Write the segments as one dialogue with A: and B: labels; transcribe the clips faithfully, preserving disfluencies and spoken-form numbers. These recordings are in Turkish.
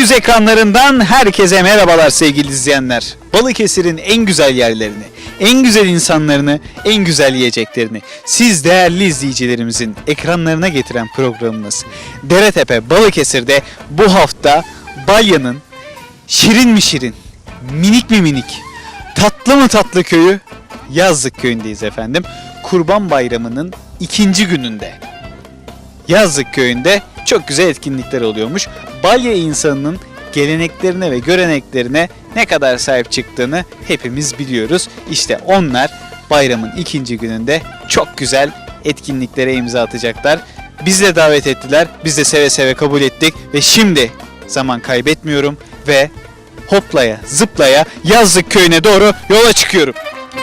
A: Yüz ekranlarından herkese merhabalar sevgili izleyenler. Balıkesir'in en güzel yerlerini, en güzel insanlarını, en güzel yiyeceklerini siz değerli izleyicilerimizin ekranlarına getiren programımız Deretepe Balıkesir'de bu hafta Balya'nın şirin mi şirin, minik mi minik, tatlı mı tatlı köyü Yazlık köyündeyiz efendim. Kurban Bayramı'nın ikinci gününde Yazlık köyünde çok güzel etkinlikler oluyormuş. Balya insanının geleneklerine ve göreneklerine ne kadar sahip çıktığını hepimiz biliyoruz. İşte onlar bayramın ikinci gününde çok güzel etkinliklere imza atacaklar. Bizi de davet ettiler. Biz de seve seve kabul ettik ve şimdi zaman kaybetmiyorum ve hoplaya zıplaya Yazlık köyüne doğru yola çıkıyorum.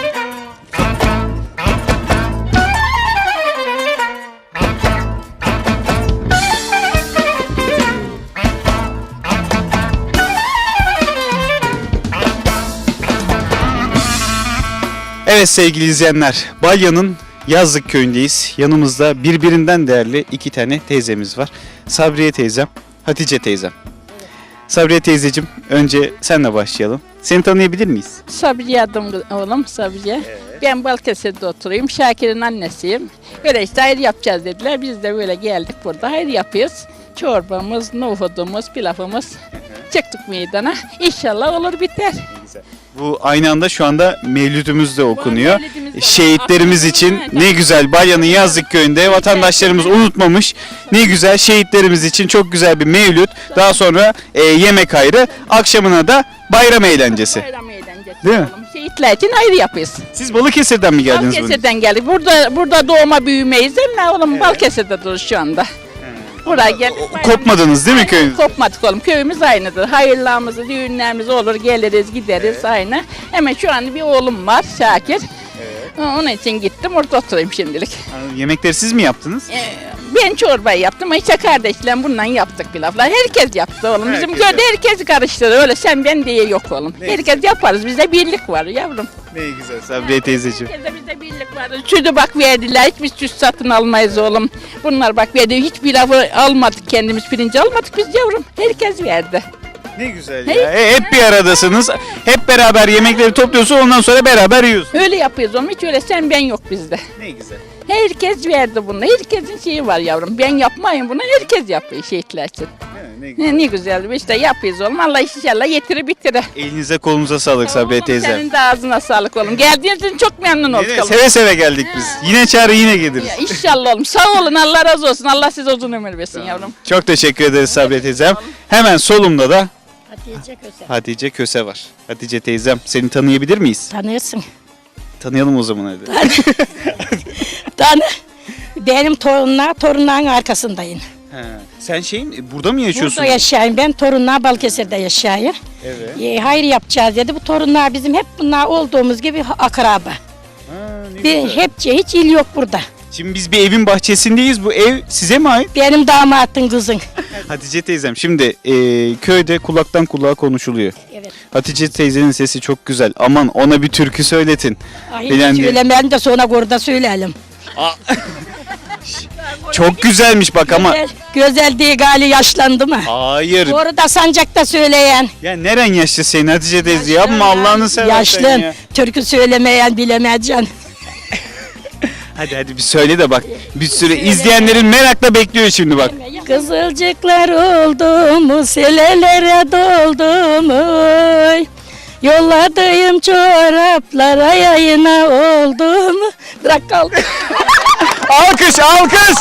A: Evet sevgili izleyenler, Balya'nın Yazlık köyündeyiz. Yanımızda birbirinden değerli iki tane teyzemiz var. Sabriye teyzem, Hatice teyzem. Sabriye teyzeciğim, önce senle başlayalım. Seni tanıyabilir miyiz?
B: Sabriye adım oğlum, Sabriye. Evet. Ben Balıkesir'de oturuyorum. Şakir'in annesiyim. Böyle işte hayır yapacağız dediler. Biz de böyle geldik burada. Hayır yapıyoruz. Çorbamız, nohudumuz, pilavımız. Çıktık meydana. İnşallah olur biter.
A: Bu aynı anda şu anda mevlüdümüz de okunuyor.
B: Mevlidimiz
A: Şehitlerimiz için
B: Evet.
A: ne güzel Balya'nın Yazlık köyünde vatandaşlarımız unutmamış. Ne güzel şehitlerimiz için çok güzel bir mevlüt. Daha sonra e, yemek ayrı. Akşamına da bayram eğlencesi.
B: Bayram eğlencesi.
A: Değil mi?
B: Oğlum. Şehitler için hayır yapıyoruz.
A: Siz Balıkesir'den mi geldiniz?
B: Balıkesir'den geldik. Burada burada doğma büyümeyiz değil mi oğlum? Evet. Balıkesir'de dururuz şu anda. Buraya geldik.
A: Kopmadınız değil mi köyünüz?
B: Kopmadık oğlum. Köyümüz aynıdır. Hayırlarımız, düğünlerimiz olur. Geliriz, gideriz evet. Aynı. Hemen şu an bir oğlum var Şakir. Evet. Onun için gittim. Orada oturayım şimdilik.
A: Yemekleri siz mi yaptınız?
B: Ee, ben çorbayı yaptım. İşte kardeşle bundan yaptık pilavlar. Herkes yaptı oğlum. Bizim
A: Herkes
B: köyde herkes karıştırır. Öyle sen ben diye yok oğlum.
A: Ne
B: Herkes yaparız. Bizde birlik var yavrum.
A: Ne güzel Sabriye teyzeciğim.
B: Herkese bizde birlik var. Sütü bak verdiler. Hiçbir süt satın almayız oğlum. Bunlar bak verdi. Hiç pilavı almadık kendimiz. Pirinci almadık biz yavrum. Herkes verdi.
A: Ne güzel ya. E, hep bir aradasınız. Hep beraber yemekleri topluyorsunuz ondan sonra beraber yiyorsunuz.
B: Öyle yapıyoruz oğlum. Hiç öyle sen ben yok bizde.
A: Ne güzel.
B: Herkes verdi bunu. Herkesin şeyi var yavrum. Ben yapmayayım bunu. Herkes yapıyor şehitler için.
A: Ne, güzel.
B: Ne, ne güzel. İşte yapıyoruz oğlum. Allah inşallah yetirir bitirir.
A: Elinize kolunuza sağlık Sabriye teyze.
B: Senin de ağzına sağlık oğlum. Geldiğiniz için çok memnun olduk oğlum.
A: Seve seve geldik biz. Yine çağır yine geliriz.
B: Ya, İnşallah oğlum. Sağ olun. Allah razı olsun. Allah size uzun ömür versin yavrum.
A: Çok teşekkür ederiz Sabriye teyzem. Hemen solumda da
B: Hatice Köse.
A: Hatice Köse var. Hatice teyzem seni tanıyabilir miyiz?
C: Tanıyorsun.
A: Tanıyalım o zaman hadi.
C: Tanı. Benim torunlar, torunların arkasındayım.
A: He. Sen şeyin burada mı yaşıyorsun?
C: Burada yaşayayım. Ben torunlar Balıkesir'de yaşayayım.
A: Evet.
C: E, hayır yapacağız dedi. Bu torunlar bizim hep bunlar olduğumuz gibi akraba.
A: Ha, ne
C: Bir,
A: güzel.
C: hepçe hiç il yok burada.
A: Şimdi biz bir evin bahçesindeyiz. Bu ev size mi ait?
C: Benim damatın kızın.
A: Hatice teyzem şimdi e, köyde kulaktan kulağa konuşuluyor.
C: Evet.
A: Hatice teyzenin sesi çok güzel. Aman ona bir türkü söyletin.
C: Ay,
A: Bilen
C: hiç
A: diye.
C: söylemeyelim de sonra burada söyleyelim.
A: Çok güzelmiş bak ama.
C: Güzel, güzel diye gali yaşlandı mı?
A: Hayır.
C: Orada sancakta söyleyen.
A: Ya neren yaşlı senin Hatice teyze? Yapma Allah'ını seversen
C: Yaşlı.
A: ya.
C: Türkü söylemeyen bilemeyeceksin.
A: Hadi hadi bir söyle de bak. Bir sürü izleyenlerin merakla bekliyor şimdi bak.
C: Kızılcıklar oldu mu, selelere doldu mu? Oy. Yolladığım çoraplara yayına oldu mu? Bırak kaldı.
A: Alkış alkış.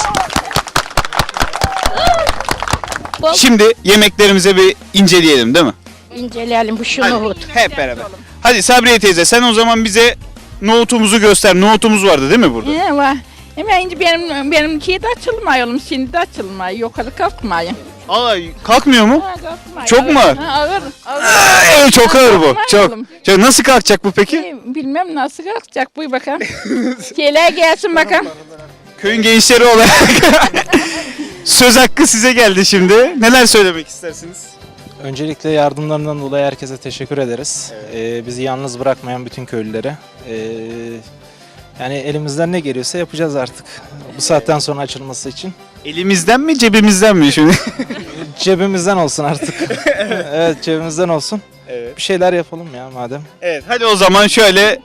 A: Şimdi yemeklerimize bir inceleyelim değil mi?
C: İnceleyelim bu şu
A: Hadi,
C: nohut.
A: hep beraber. Hadi Sabriye teyze sen o zaman bize nohutumuzu göster. Nohutumuz vardı değil mi burada?
B: Ne var? Hemen şimdi benim benim şeyde açılmıyor oğlum. Şimdi de açılmıyor. Yukarı kalkmayın.
A: Aa kalkmıyor mu?
B: Ha, kalkmayın.
A: Çok mu ağır?
B: Ha, ağır. ağır.
A: Aa, evet, çok ağır bu.
B: Kalkmayın
A: Çok.
B: oğlum.
A: Çok. Nasıl kalkacak bu peki?
B: Ee, Bilmem nasıl kalkacak. Buyur bakalım. Şeyler gelsin bakalım.
A: Köyün gençleri olarak söz hakkı size geldi şimdi. Neler söylemek istersiniz?
D: Öncelikle yardımlarından dolayı herkese teşekkür ederiz. Ee, bizi yalnız bırakmayan bütün köylülere. Ee, yani elimizden ne geliyorsa yapacağız artık. Bu saatten sonra açılması için.
A: Elimizden mi cebimizden mi şimdi?
D: cebimizden olsun artık. Evet, cebimizden olsun.
A: Evet.
D: Bir şeyler yapalım ya madem.
A: Evet, hadi o zaman şöyle.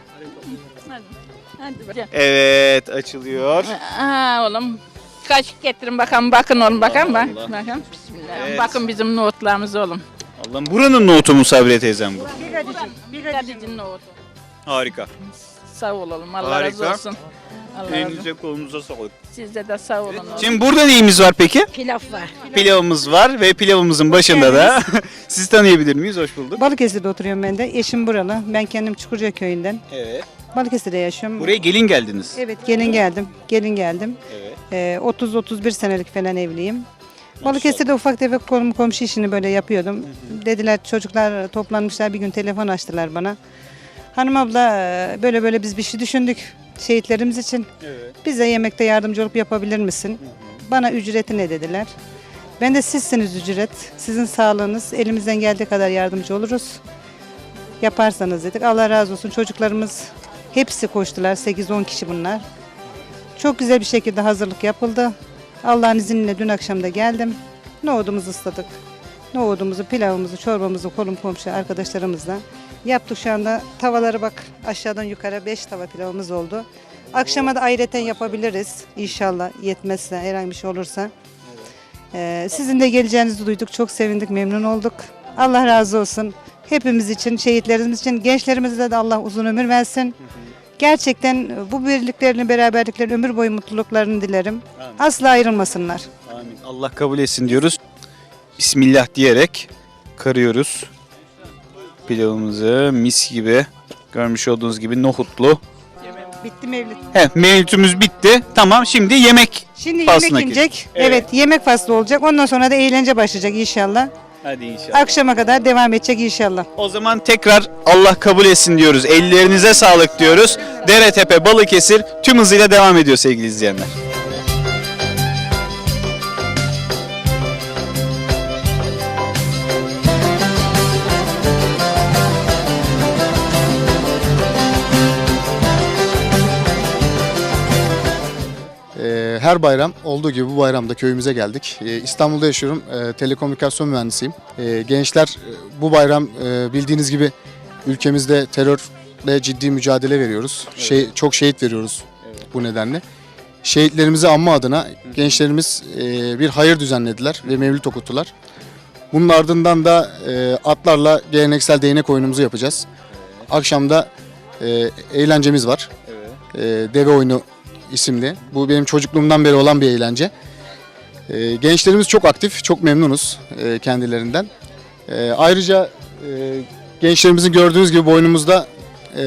B: Hadi. Hadi bakalım.
A: Evet, açılıyor.
B: Aa oğlum. Kaşık getirin bakalım, bakın oğlum, bakalım bak.
A: Allah.
B: Bakın. Bismillah.
A: Evet.
B: Bakın bizim nohutlarımız oğlum.
A: Allah'ım, buranın nohutu mu Sabriye teyzem bu?
B: Bir gadicin nohutu.
A: Harika.
B: Sağ ol oğlum, Allah
A: Harika.
B: razı olsun. Allah razı olsun.
A: Elinize kolunuza sağlık.
B: Sizde de sağ olun oğlum.
A: Şimdi burada neyimiz var peki?
C: Pilav var.
A: Pilavımız var ve pilavımızın başında da sizi tanıyabilir miyiz? Hoş bulduk.
E: Balıkesir'de oturuyorum ben de. Eşim buralı. Ben kendim Çukurca köyünden.
A: Evet.
E: Balıkesir'de yaşıyorum.
A: Buraya gelin geldiniz.
E: Evet, gelin geldim. Gelin geldim.
A: Evet.
E: Ee, otuz otuz bir senelik falan evliyim. Balıkesir'de ufak tefek kolum komşu işini böyle yapıyordum. Dediler, çocuklar toplanmışlar, bir gün telefon açtılar bana. Hanım abla, e, böyle böyle biz bir şey düşündük şehitlerimiz için.
A: Evet.
E: Bize yemekte yardımcı olup yapabilir misin? Bana ücreti ne dediler. Ben de sizsiniz ücret. Sizin sağlığınız. Elimizden geldiği kadar yardımcı oluruz. Yaparsanız dedik. Allah razı olsun. Çocuklarımız hepsi koştular. sekiz on kişi bunlar. Çok güzel bir şekilde hazırlık yapıldı. Allah'ın izniyle dün akşam da geldim. Nohudumuzu ısladık. Nohudumuzu, pilavımızı, çorbamızı kolum komşu arkadaşlarımızla yaptık. Şu anda tavaları bak, aşağıdan yukarı beş tava pilavımız oldu. Akşama da ayrıca yapabiliriz inşallah, yetmezse, herhangi bir şey olursa. Ee, sizin de geleceğinizi duyduk. Çok sevindik, memnun olduk. Allah razı olsun. Hepimiz için, şehitlerimiz için, gençlerimize de Allah uzun ömür versin. Gerçekten bu birliklerini, beraberliklerini, ömür boyu mutluluklarını dilerim.
A: Amin.
E: Asla ayrılmasınlar.
A: Amin. Allah kabul etsin diyoruz. Bismillah diyerek karıyoruz. Pilavımızı mis gibi, görmüş olduğunuz gibi nohutlu.
E: Bitti mevlid.
A: He, mevlütümüz bitti. Tamam, şimdi yemek.
E: Şimdi
A: Faslına
E: yemek inecek.
A: Evet.
E: Evet. yemek faslı olacak. Ondan sonra da eğlence başlayacak inşallah.
A: Hadi inşallah.
E: Akşama kadar devam edecek inşallah.
A: O zaman tekrar Allah kabul etsin diyoruz. Ellerinize sağlık diyoruz. Deretepe, Balıkesir tüm hızıyla devam ediyor sevgili izleyenler.
F: Ee, Her bayram olduğu gibi bu bayramda köyümüze geldik. Ee, İstanbul'da yaşıyorum. Ee, Telekomünikasyon mühendisiyim. Ee, Gençler e, bu bayram e, bildiğiniz gibi ülkemizde terörle ciddi mücadele veriyoruz. Şey çok şehit veriyoruz bu nedenle. Şehitlerimizi anma adına gençlerimiz e, bir hayır düzenlediler ve mevlüt okuttular. Bunun ardından da e, atlarla geleneksel değnek oyunumuzu yapacağız. Akşamda e, eğlencemiz var. E, Deve oyunu isimli. Bu benim çocukluğumdan beri olan bir eğlence. Ee, gençlerimiz çok aktif, çok memnunuz e, kendilerinden. E, ayrıca e, gençlerimizin gördüğünüz gibi boynumuzda e,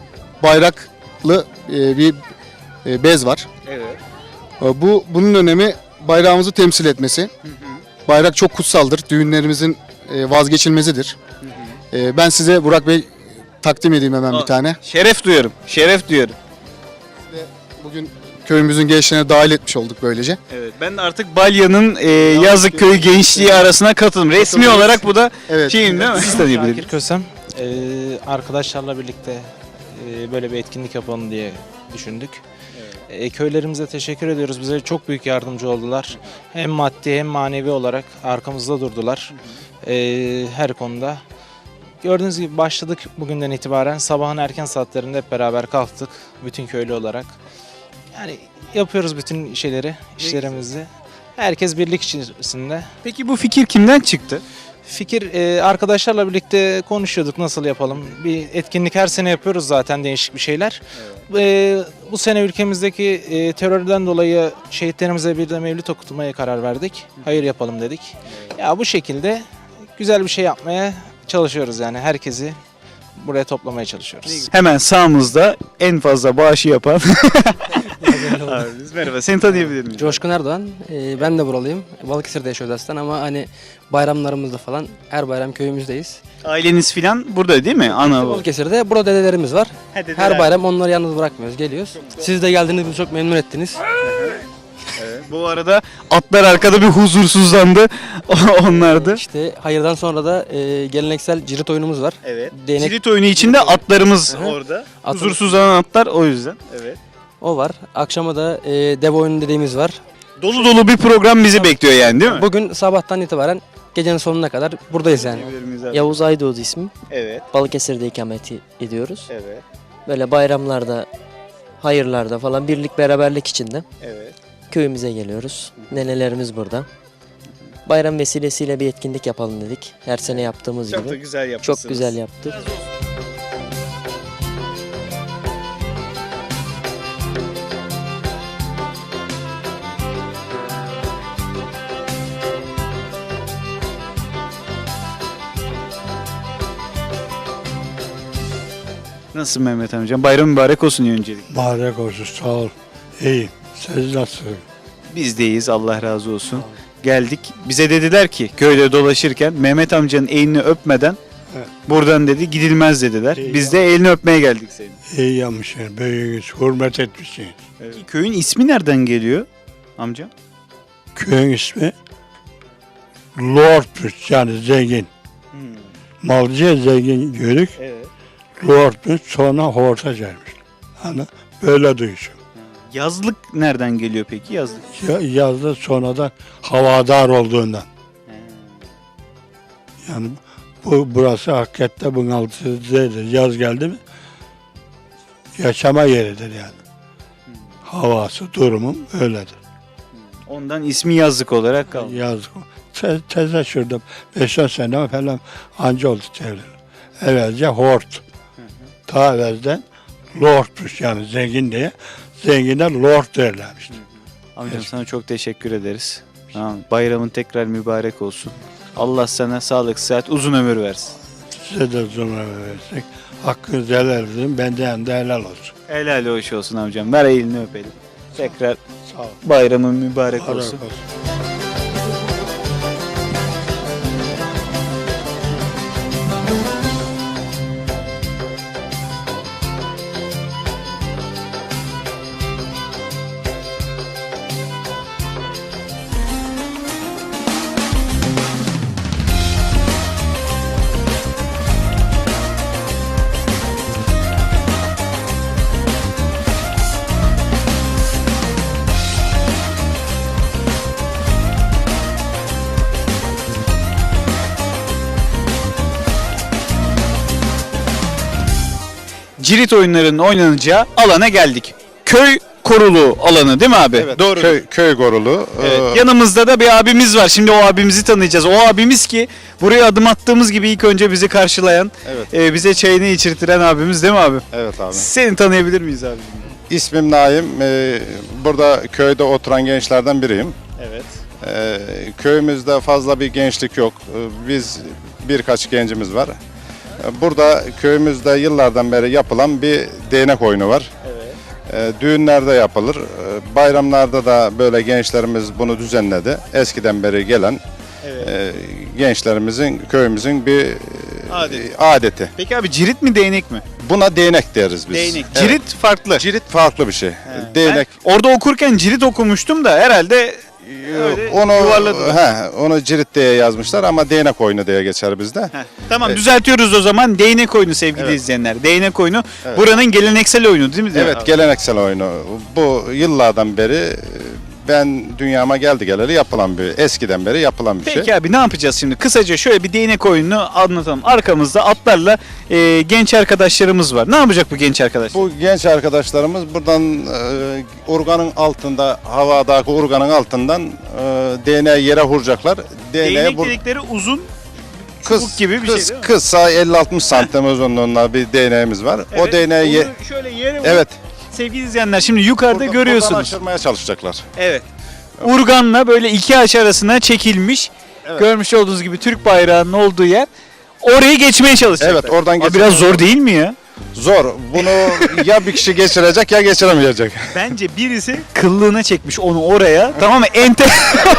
F: bayraklı e, bir e, bez var.
A: Evet.
F: E, bu bunun önemi bayrağımızı temsil etmesi. Bayrak çok kutsaldır, düğünlerimizin e, vazgeçilmezidir. E, ben size Burak Bey takdim edeyim hemen bir tane.
A: Şeref duyuyorum. Şeref duyuyorum.
F: Bugün köyümüzün gençlerine dahil etmiş olduk böylece.
A: Evet, ben de artık Balya'nın e, Yazıkköy gençliği arasına katıldım. Resmi
F: Katılıyoruz.
A: olarak bu da
F: Evet.
A: şeyim değil mi? Siz tanıyabilirsiniz.
D: Şakir Kösem. Ee, arkadaşlarla birlikte e, böyle bir etkinlik yapalım diye düşündük. E, köylerimize teşekkür ediyoruz. Bize çok büyük yardımcı oldular. Hem maddi hem manevi olarak arkamızda durdular. E, her konuda. Gördüğünüz gibi başladık bugünden itibaren. Sabahın erken saatlerinde hep beraber kalktık. Bütün köylü olarak. Yani yapıyoruz bütün şeyleri, işlerimizi. Herkes birlik içerisinde.
A: Peki bu fikir kimden çıktı?
D: Fikir e, arkadaşlarla birlikte konuşuyorduk nasıl yapalım. Bir etkinlik her sene yapıyoruz zaten, değişik bir şeyler. E, bu sene ülkemizdeki e, terörden dolayı şehitlerimize bir de mevlüt okutmaya karar verdik. Hayır yapalım dedik. Ya bu şekilde güzel bir şey yapmaya çalışıyoruz yani, herkesi buraya toplamaya çalışıyoruz.
A: Hemen sağımızda en fazla bağışı yapan abimiz. Merhaba, seni tanıyabilir miyim?
G: Coşkun Erdoğan. Ee, ben de buralıyım. Balıkesir'de yaşıyoruz aslında ama hani bayramlarımızda falan her bayram köyümüzdeyiz.
A: Aileniz filan burada değil mi? Ana baba.
G: Balıkesir'de burada dedelerimiz var.
A: Ha, dedeler.
G: Her bayram onları yalnız bırakmıyoruz. Geliyoruz. Siz de geldiniz, bizi çok memnun ettiniz.
A: Evet. Bu arada atlar arkada bir huzursuzlandı. Onlardı.
G: İşte hayırdan sonra da e, geleneksel cirit oyunumuz var.
A: Evet.
G: Değnek-
A: Cirit oyunu içinde atlarımız
G: Hı hı.
A: orada.
G: Atın-
A: Huzursuzlanan atlar o yüzden. Evet.
G: O var. Akşama da e, dev oyunu dediğimiz var.
A: Dolu dolu bir program bizi bekliyor yani değil mi?
G: Bugün sabahtan itibaren gecenin sonuna kadar buradayız yani.
H: Yavuz Aydoğdu ismim.
A: Evet.
H: Balıkesir'de ikamet ediyoruz.
A: Evet.
H: Böyle bayramlarda, hayırlarda falan birlik beraberlik içinde
A: Evet.
H: köyümüze geliyoruz. Nenelerimiz burada. Bayram vesilesiyle bir etkinlik yapalım dedik. Her sene yaptığımız
A: Çok da
H: gibi.
A: güzel yapmışsınız.
H: Çok güzel yaptık.
A: Nasılsın Mehmet amcam? Bayram mübarek olsun öncelikle.
I: Mübarek olsun, sağ ol. İyiyim. Siz nasılsınız?
A: Biz de iyiyiz, Allah razı olsun. Geldik. Bize dediler ki köyde dolaşırken Mehmet amcanın elini öpmeden
I: Evet.
A: buradan dedi gidilmez dediler.
I: İyi
A: Biz de elini öpmeye geldik senin.
I: İyi yapmışsınız, büyüğünüz, hürmet etmişsiniz.
A: Peki köyün ismi nereden geliyor amca?
I: Köyün ismi Lordmuş, yani zengin. Malcıya zengin gördük.
A: Evet.
I: Lordmuş, sonra horta gelmiş. Hani böyle duyuşum.
A: Yazlık nereden geliyor peki yazlık?
I: Ya- Yazda sonradan havadar olduğundan. Yani bu burası hakikaten bunaltıcıdır. Yaz geldi mi yaşama yeridir yani. Havası, durumum öyledir.
A: Ondan ismi yazlık olarak kaldı.
I: Yazdık. Te teze şurada beş on sene falan anca oldu çevre. Evvelce hort. Ta evvelden lordmuş yani zengin diye. Zengine lord derlermişti.
A: Amcam
I: Evet.
A: sana çok teşekkür ederiz. Tamam. Bayramın tekrar mübarek olsun. Allah sana sağlık, sıhhat, uzun ömür versin.
I: Size de zulme versek. Hakkınızı helal edin. Benden de helal olsun.
A: Helal hoş olsun amcam. Ver elini öpelim. Tekrar
I: Sağ ol.
A: bayramın mübarek
I: Mübarek
A: olsun.
I: olsun.
A: Cirit oyunlarının oynanacağı alana geldik. Köy korulu alanı değil mi abi?
J: Evet,
A: Doğru.
J: Köy, köy korulu.
A: Evet,
J: Ee,
A: yanımızda da bir abimiz var. Şimdi o abimizi tanıyacağız. O abimiz ki buraya adım attığımız gibi ilk önce bizi karşılayan,
J: Evet.
A: e, bize çayını içirtiren abimiz değil mi abi?
J: evet abi.
A: Seni tanıyabilir miyiz abi?
J: İsmim Naim. Ee, burada köyde oturan gençlerden biriyim.
A: Evet.
J: Ee, köyümüzde fazla bir gençlik yok. Ee, Biz birkaç gencimiz var. Ee, Burada köyümüzde yıllardan beri yapılan bir değnek oyunu var.
A: Evet.
J: Ee, Düğünlerde yapılır. Ee, Bayramlarda da böyle gençlerimiz bunu düzenledi. Eskiden beri gelen
A: Evet.
J: e, gençlerimizin, köyümüzün bir e,
A: Adeti.
J: adeti.
A: Peki abi cirit mi değnek mi?
J: Buna değnek deriz biz.
A: Değnek.
J: Evet.
A: Cirit farklı.
J: Cirit farklı bir şey.
A: He.
J: Değnek.
A: Ben orada okurken cirit okumuştum da herhalde öyle
J: onu
A: yuvarladılar.
J: he, onu cirit diye yazmışlar ama değnek oyunu diye geçer bizde.
A: Heh, tamam
J: Evet.
A: düzeltiyoruz o zaman. Değnek oyunu sevgili
J: Evet.
A: izleyenler. Değnek oyunu
J: Evet.
A: buranın geleneksel oyunu değil mi?
J: Evet, geleneksel oyunu. Bu yıllardan beri e, ben dünyama geldi geleli yapılan bir, eskiden beri yapılan bir
A: Peki
J: şey.
A: abi ne yapacağız şimdi? Kısaca şöyle bir değnek oyununu anlatalım. Arkamızda atlarla e, genç arkadaşlarımız var. Ne yapacak bu genç arkadaşlar?
J: Bu genç arkadaşlarımız buradan e, urganın altında, havadaki urganın altından e, değneği yere vuracaklar. Değneğe
A: Değnek
J: vur-
A: dedikleri uzun
J: kıs,
A: çubuk gibi bir
J: kıs,
A: şey değil mi?
J: kısa elli altmış santim uzunluğunda bir değneğimiz var.
A: Evet,
J: o değneği ye-
A: onu şöyle yere vurup-
J: evet.
A: Sevgili izleyenler şimdi yukarıda
J: Buradan-
A: görüyorsunuz.
J: Buradan aşırmaya çalışacaklar.
A: Evet. Urganla böyle iki ağaç arasına çekilmiş.
J: Evet.
A: Görmüş olduğunuz gibi Türk bayrağının olduğu yer. Orayı geçmeye çalışacaklar.
J: Evet, oradan
A: Abi
J: geçmeye-
A: biraz zor değil mi ya?
J: Zor. Bunu ya bir kişi geçirecek ya geçiremeyecek.
A: Bence birisi kıllığına çekmiş onu oraya. Tamam mı? En, te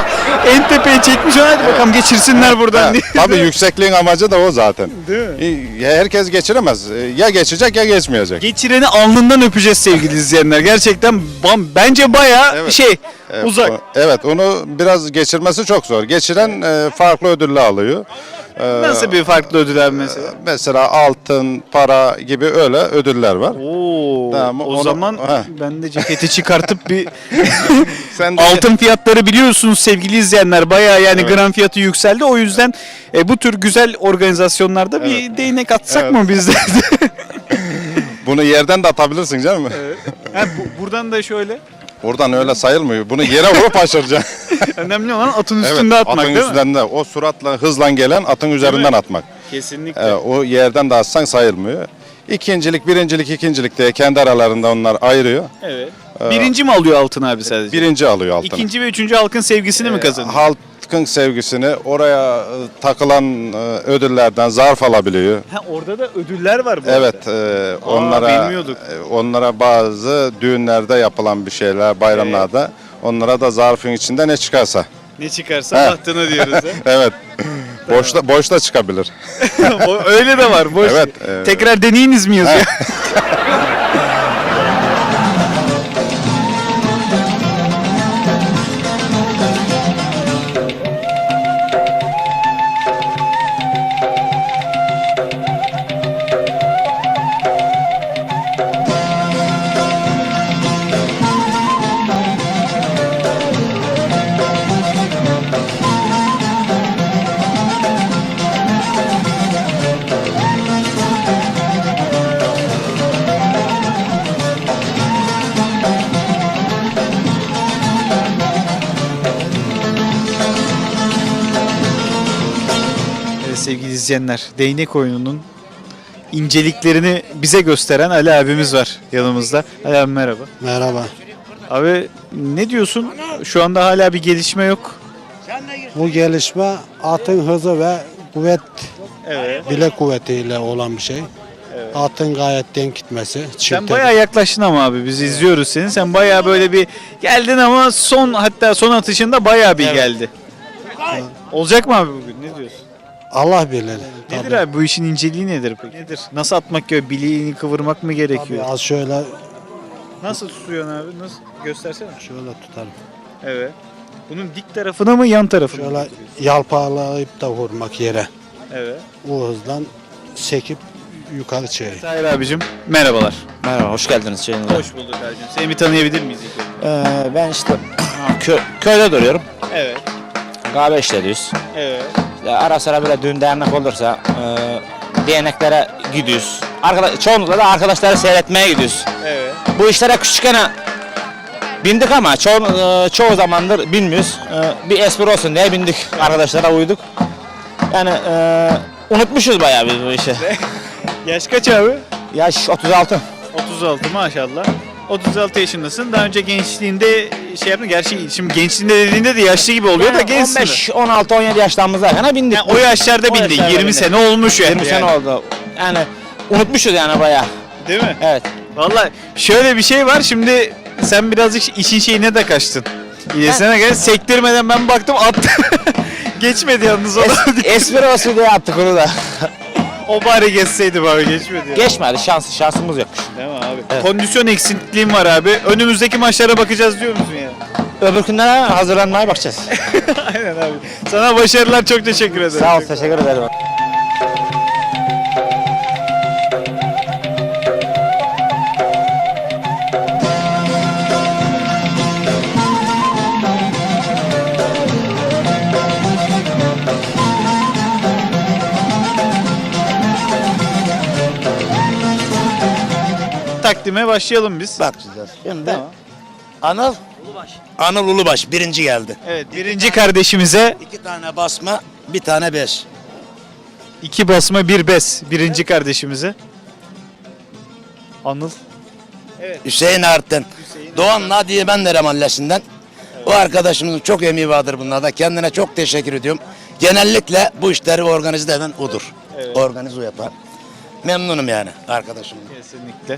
A: en tepeye çekmiş. Hadi bakalım geçirsinler buradan
J: Ha,
A: diye.
J: tabii yüksekliğin amacı da o zaten.
A: Değil mi?
J: E, Herkes geçiremez. E, Ya geçecek ya geçmeyecek.
A: Geçireni alnından öpeceğiz sevgili izleyenler. Gerçekten bam- bence bayağı
J: Evet.
A: şey
J: Evet,
A: uzak.
J: o- Evet, onu biraz geçirmesi çok zor. Geçiren e, farklı ödüller alıyor. E,
A: Nasıl bir farklı ödüller mesela?
J: Mesela altın, para gibi öyle böyle ödüller var.
A: Oo,
J: Tamam,
A: o
J: onu-
A: zaman
J: Heh.
A: ben de ceketi çıkartıp bir
J: Sen de
A: altın fiyatları biliyorsunuz sevgili izleyenler. Bayağı yani
J: Evet.
A: gram fiyatı yükseldi. O yüzden e, bu tür güzel organizasyonlarda bir değnek atsak
J: Evet.
A: mı biz de?
J: bunu yerden de atabilirsin canım.
A: Ha, bu- buradan da şöyle.
J: Buradan öyle sayılmıyor. Bunu yere vurup aşıracaksın.
A: Önemli olan atın
J: Evet,
A: üstünde atmak
J: atın
A: değil mi?
J: üstünde. O suratla hızla gelen atın üzerinden atmak.
A: Kesinlikle.
J: Evet, o yerden de atsan sayılmıyor. İkincilik, birincilik, ikincilik diye kendi aralarında onlar ayırıyor.
A: Evet. Birinci mi alıyor altın abi sadece?
J: Birinci alıyor altını.
A: İkinci ve üçüncü halkın sevgisini mi
J: Ee,
A: kazanıyor?
J: Halkın sevgisini oraya e, takılan e, ödüllerden zarf alabiliyor.
A: Ha, orada da ödüller var bu
J: Evet, e, onlara
A: bilmiyorduk.
J: e, onlara bazı düğünlerde yapılan bir şeyler, bayramlarda onlara da zarfın içinde ne çıkarsa.
A: Ne çıkarsa
J: He.
A: bahtına diyoruz. ha.
J: Evet. boşta boşta çıkabilir.
A: O- Öyle de var. Boş.
J: Evet, evet.
A: Tekrar deneyiniz mi yazıyor? Evet, sevgili izleyenler, değnek oyununun inceliklerini bize gösteren Ali abimiz var yanımızda. Ali abi merhaba.
K: Merhaba.
A: Abi ne diyorsun? Şu anda hala bir gelişme yok.
K: Bu gelişme atın hızı ve kuvvet,
A: Evet.
K: bilek kuvvetiyle olan bir şey. Atın gayet denk gitmesi.
A: Sen
K: çifte-
A: bayağı yaklaştın ama abi biz izliyoruz seni. Sen bayağı böyle bir geldin ama son hatta son atışında bayağı bir geldi. Olacak mı abi bugün? Ne diyorsun?
K: Allah bilir.
A: Nedir
K: Tabii.
A: abi bu işin inceliği nedir peki? Nedir? Nasıl atmak gerekiyor? Bileğini kıvırmak mı
K: Tabii
A: gerekiyor?
K: az şöyle
A: Nasıl tutuyorsun abi? Nasıl? Göstersene.
K: şöyle tutarım.
A: Evet. Bunun dik tarafına mı yan tarafına mı?
K: Şöyle yalpalayıp da vurmak yere.
A: Evet.
K: O hızdan sekip yukarı çevir.
A: Tahir abicim merhabalar.
L: Merhaba, hoş geldiniz Ceyhun'la.
A: Hoş bulduk abicim. Seni bir tanıyabilir miyiz ilk önce?
L: Ee, ben işte kö, köyde duruyorum.
A: Evet.
L: Kahve işletiyoruz.
A: Evet.
L: Ya ara sıra böyle düğün dernek olursa e, derneklere gidiyoruz. Arkadaş, çoğunlukla da arkadaşları seyretmeye gidiyoruz.
A: Evet.
L: Bu işlere küçükken bindik ama çoğu, e, çoğu zamandır bilmiyoruz. E, bir espri olsun diye bindik. Arkadaşlara uyduk. Yani e, unutmuşuz bayağı biz bu işi.
A: Yaş kaç abi?
L: Yaş otuz altı.
A: otuz altı maşallah. otuz altı yaşındasın. Daha önce gençliğinde şey yaptın. Gerçi şimdi gençliğinde dediğinde de yaşlı gibi oluyor da
L: Yani
A: gençsin.
L: on beş on altı on yedi yaşlarımızdayken bindik.
A: Yani o yaşlarda
L: O
A: bindin.
L: yaşlarda
A: yirmi
L: bindik.
A: sene olmuş yani.
L: yirmi sene oldu. Yani unutmuşuz yani bayağı.
A: Değil mi?
L: Evet.
A: Vallahi şöyle bir şey var. Şimdi sen birazcık işin şeyine de kaçtın. Yine sana gel sektirmeden ben baktım attı. Geçmedi yalnız o da.
L: Es, espri olsun diye yaptık onu da.
A: O bari geçseydi bari geçmedi. ya.
L: Geçmedi, şans, şansımız yokmuş.
A: Değil mi abi?
L: Evet.
A: Kondisyon eksikliğim var abi. Önümüzdeki maçlara bakacağız diyor musun ya?
L: Öbürkünlere hazırlanmaya bakacağız.
A: Aynen abi. Sana başarılar, çok teşekkür ederim.
L: Sağ ol, teşekkür ederim.
A: Takdime başlayalım biz.
M: Bakacağız. Şimdi
A: Tamam.
M: Anıl Ulubaş. Anıl Ulubaş birinci geldi.
A: Evet, birinci kardeşimize
M: İki tane basma, bir tane beş.
A: iki basma bir bes. Birinci kardeşimize. Anıl.
M: Hüseyin Art'tan. Doğan Nadiye Benlere Mahallesi'nden. O arkadaşımızın çok emeği vardır bunlarda. Kendine çok teşekkür ediyorum. Genellikle bu işleri organize eden odur.
A: Evet.
M: Organize o yapan. Memnunum yani arkadaşım.
A: Kesinlikle.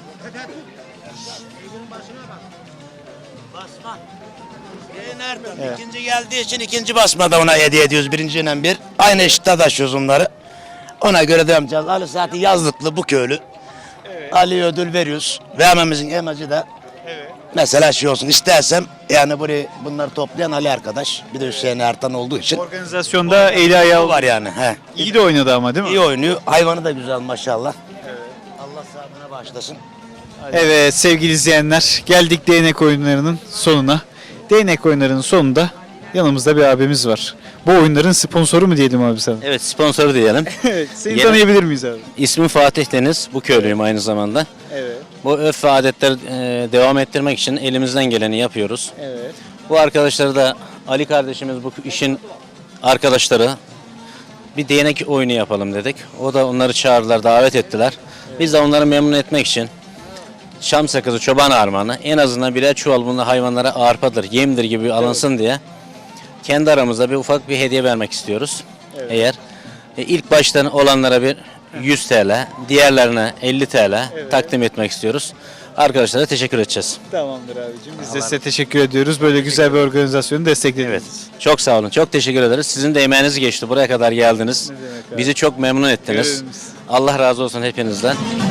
M: Evet. İkinci geldiği için ikinci basmada ona hediye ediyoruz. Birinciyle bir. Aynı eşitte taşıyoruz onları. Ona göre devam edeceğiz. Ali zaten yazlıklı bu köylü. Ali'ye ödül veriyoruz. Vermemizin amacı da mesela şey olsun istersem yani burayı bunları toplayan Ali arkadaş. Bir de Hüseyin Ertan olduğu için.
A: Organizasyonda eli ayağı
M: var yani. He.
A: İyi de oynadı ama değil mi?
M: İyi oynuyor. Hayvanı da güzel maşallah. Allah sağ Adına başlasın.
A: Evet sevgili izleyenler, geldik değnek oyunlarının sonuna. Değnek oyunlarının sonunda yanımızda bir abimiz var. Bu oyunların sponsoru mu diyelim abi sana?
N: Evet, sponsor diyelim.
A: Evet. Seni
N: Yine-
A: tanıyabilir miyiz abi?
N: İsmim Fatih Deniz. Bu köylüyüm aynı zamanda.
A: Evet.
N: Bu örf ve adetleri e, devam ettirmek için elimizden geleni yapıyoruz.
A: Evet.
N: Bu arkadaşları da Ali kardeşimiz bu işin arkadaşları bir değnek oyunu yapalım dedik. O da onları çağırdılar, davet ettiler. Biz de onları memnun etmek için Şam sakızı, çoban armağanı, en azından birer çuval bunlar hayvanlara arpadır, yemdir gibi alınsın diye kendi aramızda bir ufak bir hediye vermek istiyoruz. Eğer e, ilk baştan olanlara bir yüz T L, diğerlerine elli T L takdim etmek istiyoruz. Arkadaşlara teşekkür edeceğiz.
A: Tamamdır abicim. Biz de size teşekkür ediyoruz. Böyle güzel bir organizasyonu desteklediniz.
N: Evet. Çok sağ olun. Çok teşekkür ederiz. Sizin de emeğiniz geçti. Buraya kadar geldiniz.
A: Ne demek abi?
N: Bizi çok memnun ettiniz.
A: Görevimiz.
N: Allah razı olsun hepinizden.